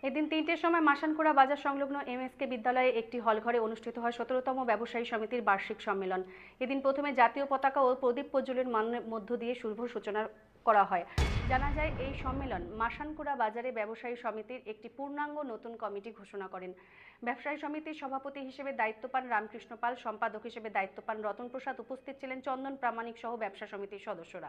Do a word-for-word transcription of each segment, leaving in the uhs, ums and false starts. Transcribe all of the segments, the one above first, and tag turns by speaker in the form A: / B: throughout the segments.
A: এদিন তিনটের সময় মাসানকুড়া বাজার সংলগ্ন এমএসকে বিদ্যালয়ে একটি হলঘরে অনুষ্ঠিত হয় সতেরোতম ব্যবসায়ী সমিতির বার্ষিক সম্মেলন। এদিন প্রথমে জাতীয় পতাকা ও প্রদীপ প্রজ্বলনের মধ্য দিয়ে শুভ সূচনা করা হয়। জানা যায়, এই সম্মেলন মাসানকুড়া বাজারে ব্যবসায়ী সমিতির একটি পূর্ণাঙ্গ নতুন কমিটি ঘোষণা করেন। ব্যবসায়ী সমিতির সভাপতি হিসেবে দায়িত্ব পান রামকৃষ্ণ পাল, সম্পাদক হিসেবে দায়িত্ব পান রতন প্রসাদ, উপস্থিত ছিলেন চন্দন প্রামাণিক সহ ব্যবসা সমিতির সদস্যরা।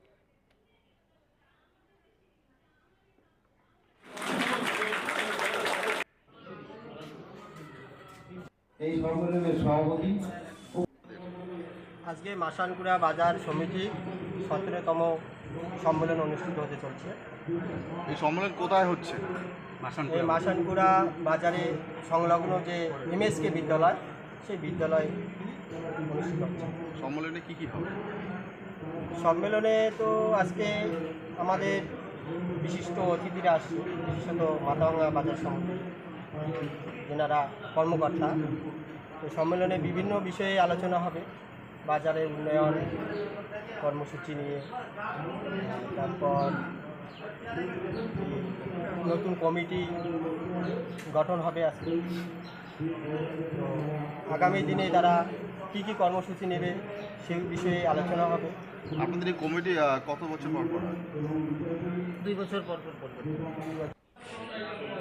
B: এই সম্মেলনের সভাপতি
C: আজকে মাসানকুড়া বাজার সমিতি সতেরোতম সম্মেলন অনুষ্ঠিত হতে চলছে।
D: এই সম্মেলন কোথায় হচ্ছে?
C: এই মাসানকুড়া বাজারে সংলগ্ন যে এমএসকে বিদ্যালয়, সেই বিদ্যালয় অনুষ্ঠিত হচ্ছে।
D: সম্মেলনে কি কি হবে?
C: সম্মেলনে তো আজকে আমাদের বিশিষ্ট অতিথিরা আসছে, বিশেষত মাথাভাঙা বাজার সমিতি যেনারা কর্মকর্তা। এই সম্মেলনে বিভিন্ন বিষয়ে আলোচনা হবে, বাজারের উন্নয়ন কর্মসূচি নিয়ে, তারপর নতুন কমিটি গঠন হবে আজকে। তো আগামী দিনে তারা কী কী কর্মসূচি নেবে সেই বিষয়ে আলোচনা হবে।
D: আপনাদের এই কমিটি কত বছর পর পর হয়?
C: দুই বছর পর পর পর